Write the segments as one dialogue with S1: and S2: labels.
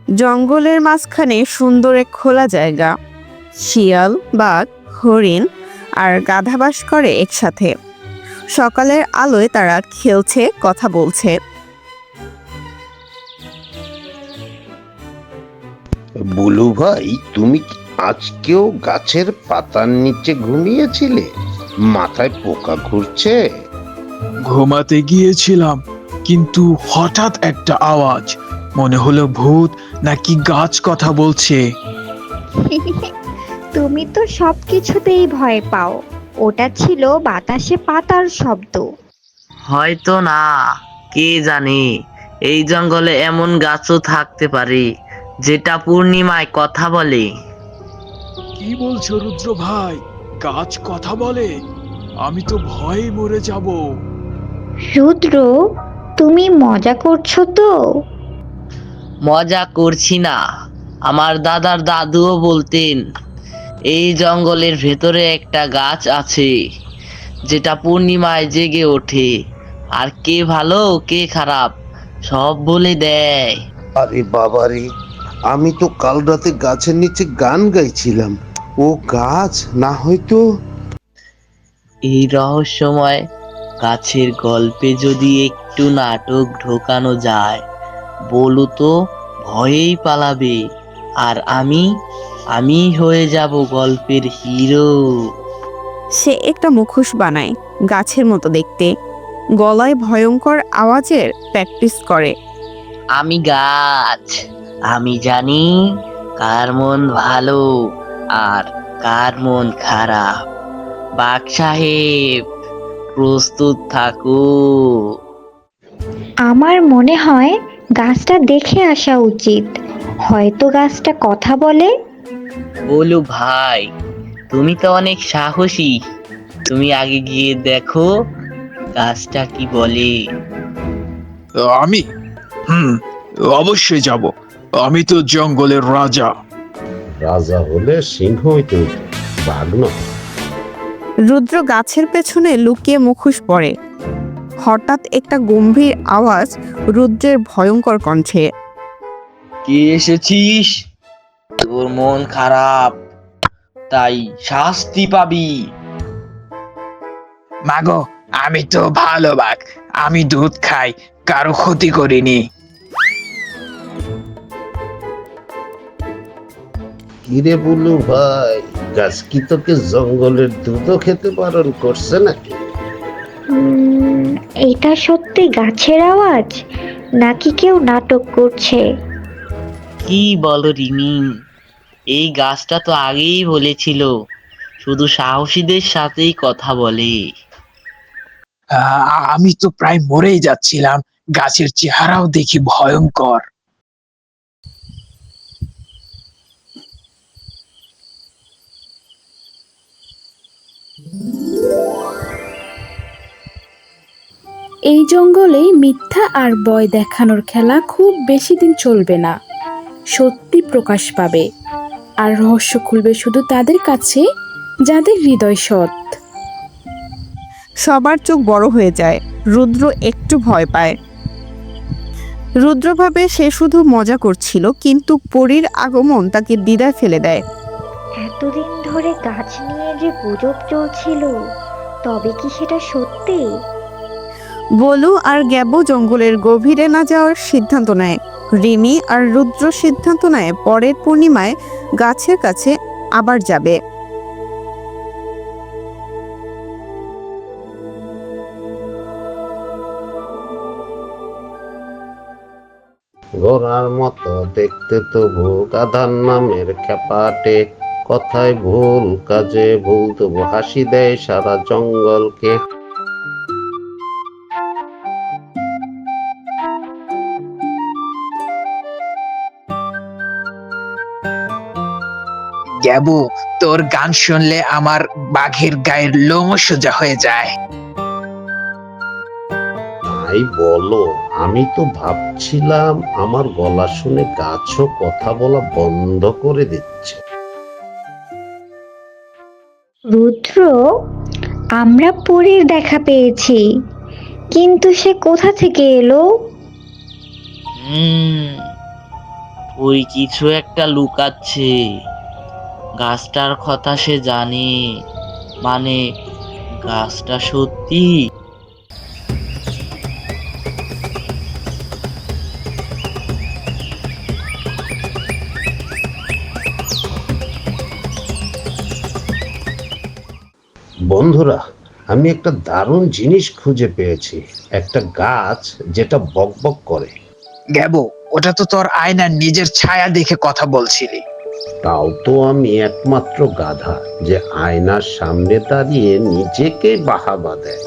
S1: জঙ্গলের মাঝখানে সুন্দর এক খোলা জায়গা। শিয়াল, বাঘ, হরিণ আর গাধা বাস করে একসাথে। সকালের আলোয় তারা খেলছে, কথা বলছে।
S2: বুলু ভাই, তুমি কি আজকেও গাছের পাতার নিচে ঘুমিয়েছিলে? মাথায় পোকা ঘুরছে?
S3: ঘুমাতে গিয়েছিলাম, কিন্তু হঠাৎ একটা আওয়াজ, মনে হলো ভূত নাকি গাছ কথা বলছে।
S4: তুমি তো সবকিছুতেই ভয় পাও। ওটা ছিল বাতাসে পাতার শব্দ।
S5: হয়তো না, কে জানে। এই জঙ্গলে এমন গাছও থাকতে পারে যেটা পূর্ণিমায় কথা বলে।
S3: কি বলছো রুদ্র ভাই? গাছ কথা বলে? আমি তো ভয়ে মরে যাব।
S4: রুদ্র, তুমি মজা করছো তো?
S5: মজা করছি না। আমার দাদার দাদুও বলতেন এই জঙ্গলের ভেতরে একটা গাছ আছে যেটা পূর্ণিমায় জেগে ওঠে আর কে ভালো কে খারাপ সব বলে দেয়।
S2: আরে বাবারে, আমি তো কাল রাতে গাছের নিচে গান গাইছিলাম। ও গাছ না হয়তো।
S5: এই রহস্যময় গাছের গল্পে যদি একটু নাটক ঢোকানো যায়, বলু তো ভয়েই পালাবে, আর আমি হয়ে যাব গল্পের হিরো।
S1: সে একটা মুখোশ বানায়, গাছের মতো দেখতে, গলায় ভয়ঙ্কর আওয়াজের প্র্যাকটিস করে।
S5: আমি গাছ, আমি জানি কার মন ভালো আর কার মন খারাপ। বাঘ সাহেব, প্রস্তুত থাকো।
S4: আমার মনে হয় গাছটা দেখে আসা উচিত। হয়তো গাছটা কথা বলে।
S5: বলু ভাই, তুমি তো অনেক সাহসী। তুমি আগে গিয়ে দেখো গাছটা কি বলে।
S3: আমি হুম অবশ্যই যাব। আমি তো জঙ্গলের রাজা।
S2: রাজা হলে সিংহ হইতে হইতো, বাঘ নয়।
S1: রুদ্র গাছের পেছনে লুকিয়ে মুখোশ পরে। হঠাৎ একটা গম্ভীর আওয়াজ রুদ্রের ভয়ঙ্কর কণ্ঠে।
S5: কে এসেছিস? তোর মন খারাপ, তাই শাস্তি পাবি।
S3: মাগো, আমি তো ভালো বাঘ। আমি দুধ খাই, কারো ক্ষতি করিনি।
S2: কিরে বুলু ভাই, গাছ কি তোকে জঙ্গলের দুধও খেতে বারণ করছে নাকি?
S4: উম, এটা সত্যি গাছের আওয়াজ নাকি কেউ নাটক করছে?
S5: কি বলো রিমি, এই গাছটা তো আগেই বলেছিল শুধু সাহসীদের সাথেই কথা বলে।
S3: আমি তো প্রায় মরেই যাচ্ছিলাম। গাছের চেহারাও দেখি ভয়ঙ্কর।
S6: এই জঙ্গলে মিথ্যা আর ভয় দেখানোর খেলা খুব বেশি দিন চলবে না। সত্যি প্রকাশ পাবে, আর রহস্য খুলবে শুধু তাদের কাছে যাদের হৃদয় সৎ।
S1: সবার চোখ বড় হয়ে যায়। রুদ্র একটু ভয় পায়। রুদ্র ভাবে সে শুধু মজা করছিল, কিন্তু পরীর আগমন তাকে দ্বিধায় ফেলে দেয়।
S4: এতদিন ধরে গাছ নিয়ে যে গুজব চলছিল, তবে কি সেটা সত্যি?
S1: বলু আর গ্যাবো জঙ্গলের গভীরে না যাওয়ার সিদ্ধান্ত নেয়। রিমি আর রুদ্র সিদ্ধান্ত নেয় পরের পূর্ণিমায় গাছের কাছে আবার যাবে।
S2: ঘোড়ার মতো দেখতে তবু গাধার নামের খেপাটে, কথায় ভুল কাজে ভুল তবু হাসি দেয় সারা জঙ্গলকে।
S3: গ্যাবু, তোর গান শুনলে আমার বাঘের গায়ের লোম সোজা হয়ে যায়।
S2: তাই বলো, আমি তো ভাবছিলাম আমার গলা শুনে গাছও কথা বলা বন্ধ করে দিচ্ছে।
S4: রুদ্র, আমরা পরীর দেখা পেয়েছি, কিন্তু সে কোথা থেকে এলো?
S5: হুম ওই কিছু একটা লুকাচ্ছে। গাছটার কথা সে জানে, মানে গাছটা সত্যি।
S2: বন্ধুরা, আমি একটা দারুণ জিনিস খুঁজে পেয়েছি। একটা গাছ যেটা বকবক করে।
S3: গ্যাবো, ওটা তো তোর আয়নার নিজের ছায়া দেখে কথা বলছিলি।
S2: তাও তো আমি একমাত্র গাধা যে আয়নার সামনে দাঁড়িয়ে নিজেকে বাহাবা দেয়।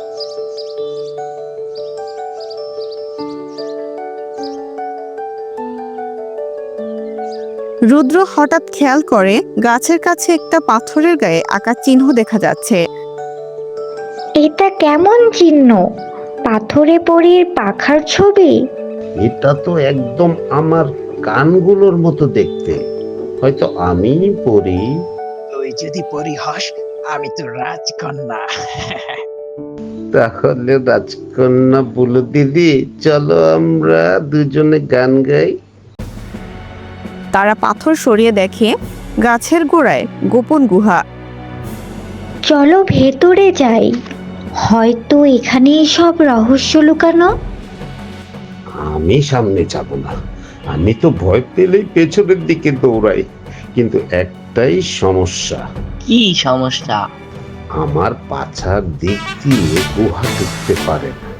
S1: রুদ্র হঠাৎ খেয়াল করে গাছের কাছে একটা পাথরের গায়ে আঁকা চিহ্ন দেখা যাচ্ছে।
S4: এটা কেমন চিহ্ন? পাথরে পরীর পাখার ছবি?
S2: এটা তো একদম আমার কানগুলোর মতো দেখতে। হয়তো আমি পড়ি।
S3: তুই যদি পরি হস, আমি তো রাজকন্যা।
S2: তাহলে রাজকন্যা বলে দিদি, চলো আমরা দুজনে গান গাই।
S1: তারা পাথর সরিয়ে দেখে গাছের গোড়ায় গোপন গুহা।
S4: চলো ভেতরে যাই, হয়তো এখানেই সব রহস্য লুকানো।
S2: আমি সামনে যাব না, আমি তো ভয় পেলেই পেছনের দিকে দৌড়াই। কিন্তু একটাই সমস্যা,
S5: কি সমস্যা?
S2: আমার পাছার দিক দিয়ে গুহা ঢুকতে পারে না।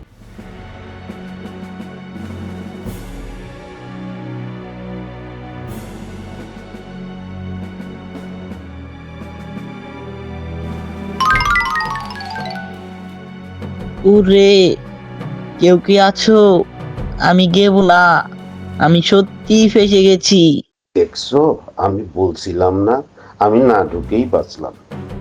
S5: উরে, কেউ কি আছো? আমি গেব না, আমি সত্যি ফেসে গেছি।
S2: দেখছো, আমি বলছিলাম না, আমি না ঢুকেই বাঁচলাম।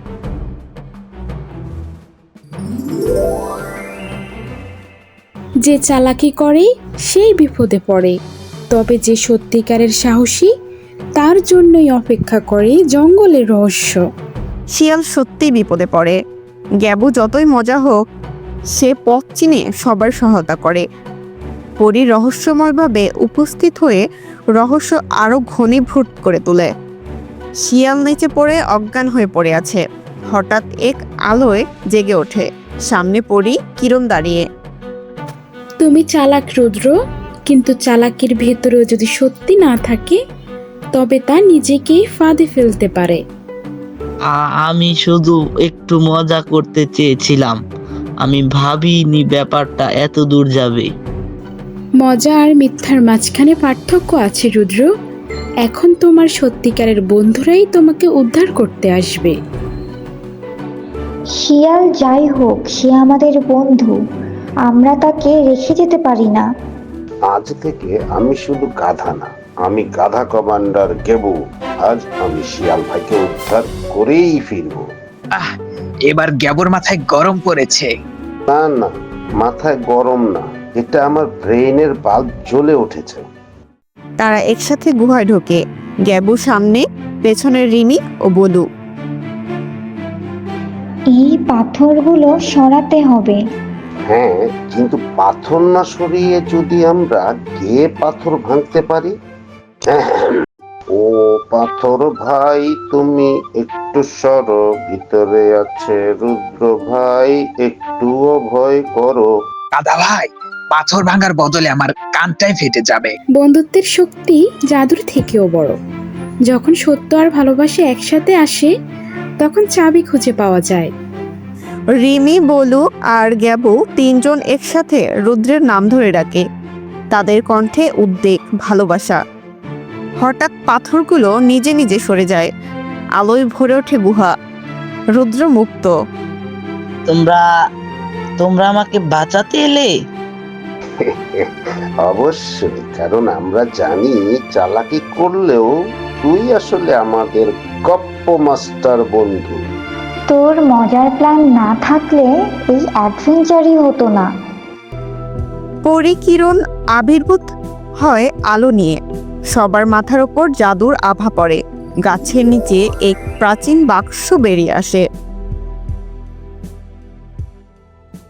S6: যে চালাকি করে সেই বিপদে পড়ে, তবে যে সত্যিকারের সাহসী তার জন্যই অপেক্ষা করে জঙ্গলের রহস্য।
S1: শিয়াল সত্যিই বিপদে পড়ে। গ্যাবু যতই মজা হোক, সে পথ চিনে সবার সহায়তা করে। পরী রহস্যময়ভাবে উপস্থিত হয়ে রহস্য আরো ঘনীভূত করে তোলে। শিয়াল নিচে পড়ে অজ্ঞান হয়ে পড়ে আছে। হঠাৎ এক আলোয় জেগে ওঠে। সামনে পরী কিরণ দাঁড়িয়ে।
S6: তুমি চালাক রুদ্র, কিন্তু চালাকির ভেতরেও যদি সত্যি না থাকে তবে তা নিজেকেই ফাঁদে ফেলতে পারে।
S5: আমি শুধু একটু মজা করতে চেয়েছিলাম, আমি ভাবিনি ব্যাপারটা এত দূর যাবে।
S6: মজা আর মিথ্যার মাঝখানে পার্থক্য আছে রুদ্র। এখন তোমার সত্যিকারের বন্ধুরাই তোমাকে উদ্ধার করতে আসবে।
S4: শিয়াল যাই হোক, সে আমাদের বন্ধু, আমরা তাকে রেখে যেতে পারি না।
S2: আজ থেকে আমি শুধু গাধা না, আমি গাধা কমান্ডার গেবু। আজ আমি শিয়াল ভাইকে উদ্ধার করেই ফিরবো।
S3: এবার গ্যাবোর মাথায় গরম পড়েছে।
S2: না না, মাথায় গরম না, এটা আমার ব্রেইনের বাল্ব জ্বলে উঠেছে।
S1: তারা একসাথে গুহায় ঢোকে। গ্যাবু সামনে, পেছনে রিনি ও বলু।
S4: এই পাথরগুলো সরাতে হবে।
S2: হ্যাঁ, কিন্তু পাথর না সরিয়ে যদি আমরা গিয়ে পাথর ভাঙতে পারি। ও পাথর ভাই, তুমি একটু সরো, ভিতরে আছে রুদ্র ভাই, একটুও ভয় করো।
S3: দাদা ভাই, পাথর ভাঙার বদলে আমার কানটাই ফেটে যাবে।
S6: বন্ধুত্বের শক্তি জাদুর থেকেও বড়। যখন সত্য আর ভালোবাসা একসাথে আসে তখন চাবি খুঁজে পাওয়া যায়।
S1: রিমি, বলু আর গ্যাবু তিনজন একসাথে রুদ্রের নাম ধরে ডাকে। তাদের কণ্ঠে উদ্বেগ, ভালোবাসা। হঠাৎ পাথরগুলো নিজে নিজে সরে যায়। আলোয় ভরে ওঠে গুহা। রুদ্র মুক্ত।
S5: তোমরা তোমরা আমাকে বাঁচাতে এলে?
S2: অবশ্যই, কারণ আমরা জানি চালাকি করলেও তুই আসলে আমাদের গপ্প মাস্টার বন্ধু।
S4: তোর মজার প্ল্যান না থাকলে এই অ্যাডভেঞ্চারই হতো না।
S1: পরিকিরণ আবির্ভূত হয় আলো নিয়ে। সবার মাথার ওপর জাদুর আভা পড়ে। গাছের নিচে এক প্রাচীন বাক্স বেরিয়ে আসে।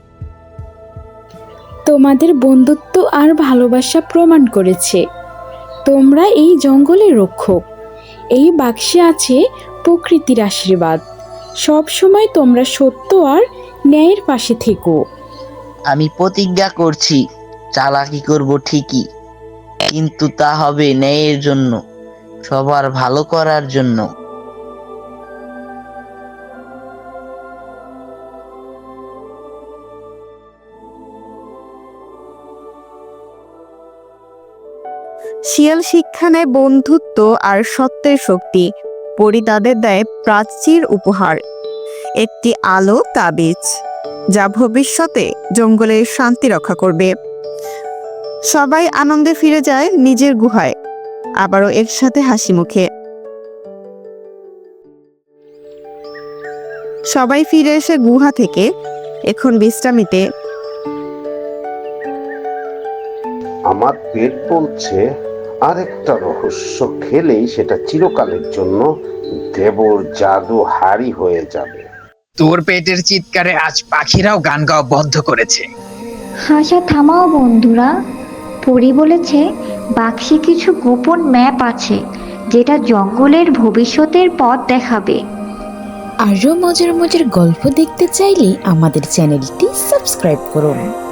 S6: তোমাদের বন্ধুত্ব আর ভালোবাসা প্রমাণ করেছে তোমরা এই জঙ্গলের রক্ষক। এই বাক্সে আছে প্রকৃতির আশীর্বাদ। সব সময় তোমরা সত্য আর ন্যায়ের পাশে থেকো।
S5: আমি প্রতিজ্ঞা করছি, চালাকি করব ঠিকই, কিন্তু তা হবে ন্যায়ের জন্য, সবার ভালো করার জন্য।
S1: শিয়াল শিক্ষা নেয় বন্ধুত্ব আর সত্যের শক্তি। পরি তাদের দেয় প্রাচীর উপহার, একটি আলো তাবিজ, যা ভবিষ্যতে জঙ্গলের শান্তি রক্ষা করবে। সবাই আনন্দে ফিরে যায় নিজের গুহায়, আবারও একসাথে হাসি মুখে। সবাই ফিরে এসে গুহা থেকে এখন বিশ্রামিতে।
S2: আমার পেট বলছে আরেকটা রহস্য খেলেই সেটা চিরকালের জন্য দেবর জাদু হারি হয়ে যাবে।
S7: তোর পেটের চিৎকারে আজ পাখিরাও গান গাওয়া বন্ধ করেছে।
S4: হাসা থামাও বন্ধুরা। পরি বলেছে বাক্সে কিছু গোপন ম্যাপ আছে, যেটা জঙ্গলের ভবিষ্যতের পথ দেখাবে।
S8: আরও মজার মজার গল্প দেখতে চাইলে আমাদের চ্যানেলটি সাবস্ক্রাইব করুন।